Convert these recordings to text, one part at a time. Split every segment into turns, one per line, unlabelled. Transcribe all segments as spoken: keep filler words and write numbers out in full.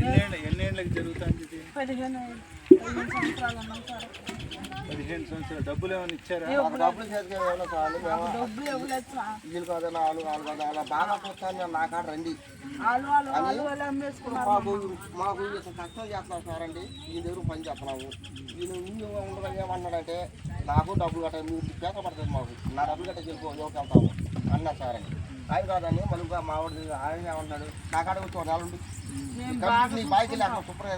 ఎన్నేళ్ళ ఎన్నేళ్ళకి జరుగుతుంది ఇది?
పదిహేను పదిహేను సంవత్సరాలు ఉన్నాం సార్.
పదిహేను సంవత్సరాలు. డబ్బులు ఏమైనా ఇచ్చారా?
డబ్బులు చేతికి ఏమైనా చాలు
డబ్బులు ఇవ్వలేదు సార్.
వీళ్ళు కాదు వాళ్ళు వాళ్ళు కాదు అలా బాగా చూస్తాను నా కాడ రండి
వాళ్ళు వాళ్ళు వాళ్ళు వాళ్ళు అమ్మేసుకున్నారు.
మాకు మాకు కష్టం చేస్తున్నాం సార్ అండి ఈ దగ్గర పని చేస్తున్నాము. వీళ్ళు ఇల్లు ఉండగా ఏమన్నాడంటే నాకు డబ్బులు కట్ట మీరు పేద పడుతుంది మాకు నా డబ్బులు కట్ట వెళ్ళిపో యోకి వెళ్తాము అన్నా సార్ అండి. ఆయన కాదని మళ్ళీ మా వాడు ఆయన ఏమన్నాడు నా కాడ వచ్చి ఒక నెల ఉండి నీ బాయికి లేక శుభ్రంగా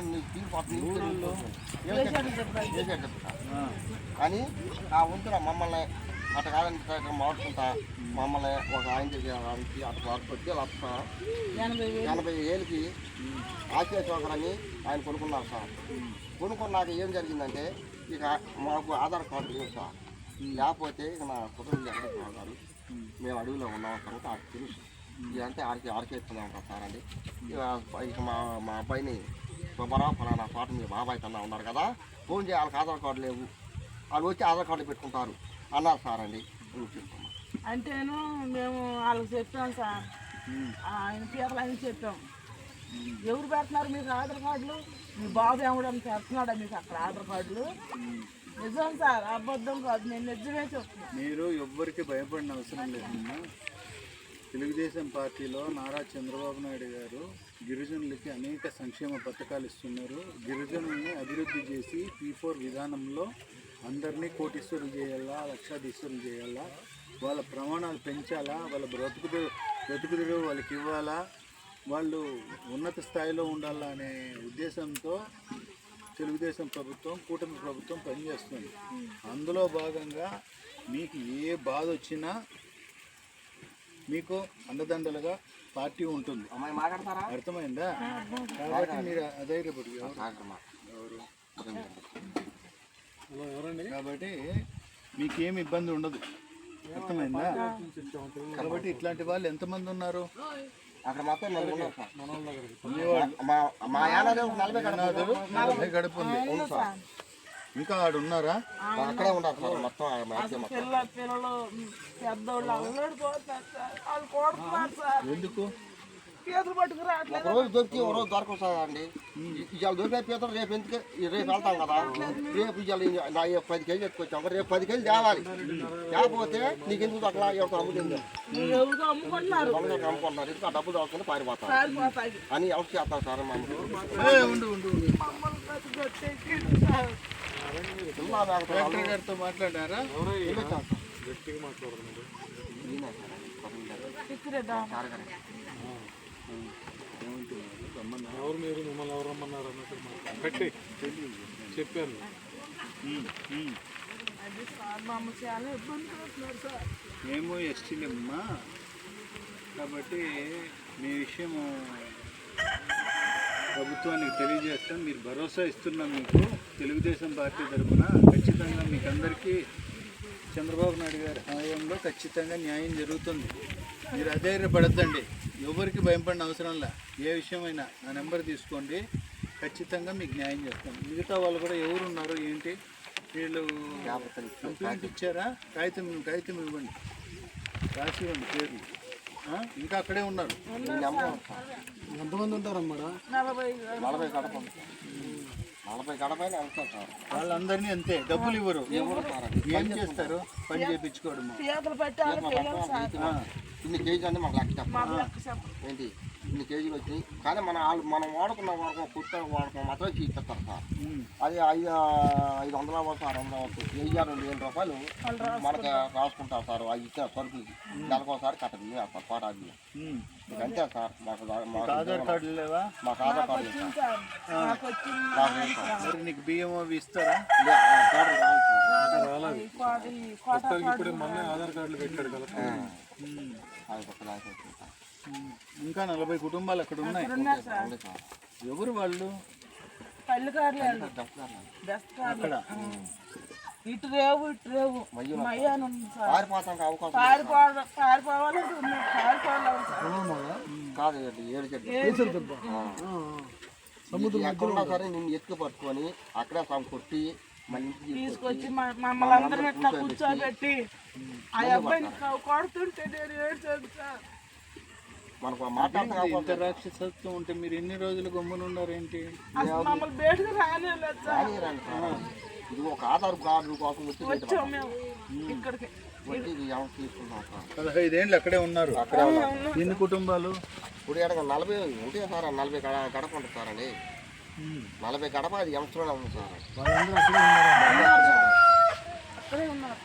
తీరిపోతుంది అని ఆ ఉంటున్నా మమ్మల్ని అట్ట కాదని మాడుకుంటా మమ్మల్ని ఒక ఆయన దగ్గరికి అటు కొట్టి లక్ష ఎనభై ఏళ్ళకి ఆశీర్వాదని ఆయన కొనుక్కున్నారు సార్. కొనుక్కున్నాక ఏం జరిగిందంటే ఇక మాకు ఆధార్ కార్డు లేదు సార్. లేకపోతే ఇక నా కుటుంబం ఎక్కడికి కాదు మేము అడవిలో ఉన్నాం కనుక ఆడికి తెలుసు ఇదంటే ఆడికి ఆడికే ఇస్తున్నాం కదా సార్ అండి. ఇక ఇక మా మా అబ్బాయిని సుబ్బారావు ఫలానా పాట మీ బాబాయ్ కన్నా ఉన్నారు కదా ఫోన్ చేయాలి వాళ్ళకి ఆధార్ కార్డు లేవు వాళ్ళు వచ్చి ఆధార్ కార్డు పెట్టుకుంటారు అన్నారు సార్ అండి.
అంటేను మేము వాళ్ళకి చెప్పాం సార్. ఆయన పీతలు ఆయన చెప్పాం ఎవరు పెడుతున్నారు మీకు ఆధార్ కార్డులు మీ బాబు ఏమడం పెడుతున్నాడా మీకు అక్కడ ఆధార్ కార్డులు నిజం సార్ అబద్ధం కాదు నేను నిజమే చెప్తున్నాను.
మీరు ఎవ్వరికి భయపడిన అవసరం లేదమ్మా. తెలుగుదేశం పార్టీలో నారా చంద్రబాబు నాయుడు గారు గిరిజనులకి అనేక సంక్షేమ పథకాలు ఇస్తున్నారు. గిరిజనుల్ని అభివృద్ధి చేసి పీ ఫోర్ విధానంలో అందరినీ కోటీశ్వరులు చేయాలా లక్షాధీశ్వరులు చేయాలా వాళ్ళ ప్రమాణాలు పెంచాలా వాళ్ళ బ్రతుకుదు బ్రతుకుదురు వాళ్ళకి ఇవ్వాలా వాళ్ళు ఉన్నత స్థాయిలో ఉండాలా అనే ఉద్దేశంతో తెలుగుదేశం ప్రభుత్వం కూటమి ప్రభుత్వం పనిచేస్తుంది. అందులో భాగంగా మీకు ఏ బాధ వచ్చినా మీకు అండదండలుగా పార్టీ ఉంటుంది. అర్థమైందా? కాబట్టి మీరు అధైర్యపడి కాబట్టి మీకేమి ఇబ్బంది ఉండదు. అర్థమైందా? కాబట్టి ఇట్లాంటి వాళ్ళు ఎంతమంది ఉన్నారు
అక్కడ మొత్తం
నలభై గడుపు ఉంది. ఇంకా ఆడు ఉన్నారా?
అక్కడే ఉన్నారు సార్ మొత్తం
పిల్లలు పెద్దోళ్ళు
ఎందుకు
పీతలు పట్టుకు రావట్లేదు.
ఒక రోజు దొరికి ఒక రోజు దొరకదు సార్ అండి. ఇవాళ దొరికే పీతలు రేపు ఎందుకు రేపు వెళ్తాం కదా రేపు ఇవాళ పది కేజీలు ఎత్తుకొచ్చాం రేపు పది కేజీలు తేవాలి లేకపోతే నీకు ఎందుకు అట్లా ఎవరు అమ్ముతుంది
అమ్ముకుంటున్నారు
అమ్ముకుంటున్నారు ఎందుకు ఆ డబ్బులు దొరకకుండా పారిపోతారు అని ఎవరు చేస్తారు సార్
గారితో మాట్లాడారా?
ఎవరు మీరు మిమ్మల్ని ఎవరు రమ్మన్నారు అన్నట్టు కట్టి చెప్పాను.
మేము ఎస్టీలమ్మా కాబట్టి మీ విషయము ప్రభుత్వానికి తెలియజేస్తాం. మీరు భరోసా ఇస్తున్నాం. మీకు తెలుగుదేశం పార్టీ తరఫున ఖచ్చితంగా మీకు అందరికీ చంద్రబాబు నాయుడు గారి హయాంలో ఖచ్చితంగా న్యాయం జరుగుతుంది. మీరు అధైర్యపడద్దండి. ఎవరికి భయపడిన అవసరంలా. ఏ విషయమైనా ఆ నెంబర్ తీసుకోండి ఖచ్చితంగా మీకు న్యాయం చేస్తాం. మిగతా వాళ్ళు కూడా ఎవరు ఉన్నారు ఏంటి వీళ్ళు కంప్లైంట్ ఇచ్చారా? కాగితం కాగితం ఇవ్వండి రాసి ఇవ్వండి పేర్లు. ఇంకా అక్కడే ఉన్నారు.
ఎంతమంది ఉంటారమ్మా?
నలభై
నలభై గడప నలభై గడపైన వెళ్తారు సార్.
వాళ్ళందరినీ అంతే డబ్బులు ఇవ్వరు. ఏం చేస్తారు? పని చేయించుకోవడం.
ఇన్ని కేజీలు అంటే మాకు లెక్క చెప్పాలి ఏంటి ఇన్ని కేజీలు వచ్చినాయి కానీ మన మనం వాడుకున్న వాడుకున్న కుట్ట వాడుకున్న మాత్రం ఇచ్చేస్తారు సార్. అది ఐదు ఐదు వందల వరకు ఆరు వందల వరకు వెయ్యి రెండు వేల రూపాయలు మనకి రాసుకుంటారు సార్. అది ఇచ్చిన సరుకులకి నెలకోసారి కట్టదు వేస్తారు పాట అది అంతే సార్. మాకు
మాకు ఆధార్ కార్డు లేవా?
మాకు ఆధార్ కార్డు లేదు
సార్. నీకు బియ్యం అవి ఇస్తారా?
ఇప్పుడు మొన్న ఆధార్ కార్డులు పెట్టాడు కదా.
ఇంకా నలభై కుటుంబాలు అక్కడ ఉన్నాయి. ఎవరు వాళ్ళు? అక్కడ
ఇటు రేవు ఇటు రేవు
పారిపోతానికి అవకాశం కాదు ఎక్కడున్నా సరే నిన్ను ఎత్తుకు పట్టుకొని అక్కడే సమ్ కొట్టి
తీసుకొచ్చి మమ్మల్ని అందరం ఇట్లా కూర్చోబెట్టి ఆ అబ్బాయిని కొడుతుంటే నేను ఏడ్చాను సార్.
మనకు మాట్లాడతాం
ఇంత రాక్షసత్వం ఉంటే మీరు ఎన్ని రోజులు గమ్మునున్నారేంటి?
అసలు మమ్మల్ని బయటకు రానివ్వలేదు సార్.
రాని సార్ ఇది ఒక ఆధార్ కార్డు కోసం వచ్చి
వచ్చాం మేము ఇక్కడికి.
వచ్చి ఇది ఎవరు తీసుకుంటాం సార్.
పదహైదేళ్ళు అక్కడే ఉన్నారు.
అక్కడే ఉన్నాం.
ఎన్ని కుటుంబాలు?
ఇప్పుడు ఎక్కడ నలభై ఉంటే సార్ నలభై గడ గడప ఉంటుంది సార్ అండి. నలభై గడప అది ఎంసలోనే ఉంది సార్.
వాళ్ళందరూ అక్కడే ఉన్నారు.
అక్కడే ఉన్నారు.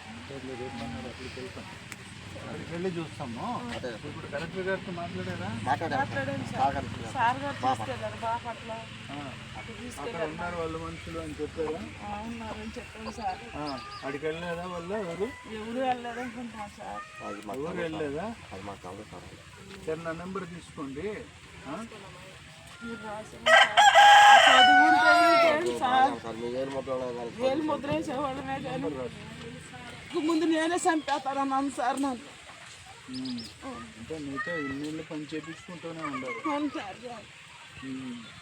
అక్కడికి వెళ్ళి చూస్తాము.
అదే
ఇప్పుడు కలెక్టర్ గారితో మాట్లాడారా?
మాట్లాడారు
మాట్లాడాను సార్.
సహకరిస్తున్నారు.
సార్ గారు తీసుకెళ్ళారు బాపట్ల. అక్కడ
అక్కడ
తీసుకెళ్ళారు.
ఉన్నారు వాళ్ళు మనుషులు అని చెప్పారా?
ఆ, ఉన్నారని చెప్పాను సార్.
అక్కడికి వెళ్ళలేదా వాళ్ళు? ఎవరు
ఎవరు వెళ్ళలేదు అనుకుంటున్నాం సార్.
అది మాకు
ఎవరు వెళ్ళలేదా?
అది మాకు కాదు సార్.
సరే నా నెంబర్ తీసుకోండి. ఆ?
మీరు రాసాను సార్. ఆ చదువు ఉంటే ఇంకేంటి సార్.
సార్ మీ ఏడు ముద్రలో కానీ
వేలు ముద్ర వేసేవాళ్ళమే కానీ ఇంక ముందు నేనే చంపేస్తానన్నాను సార్ నన్ను.
అంటే మీతో ఇన్నేళ్ళు పని చేపించుకుంటూనే ఉండాలి.
అవును సార్.
ఉమ్.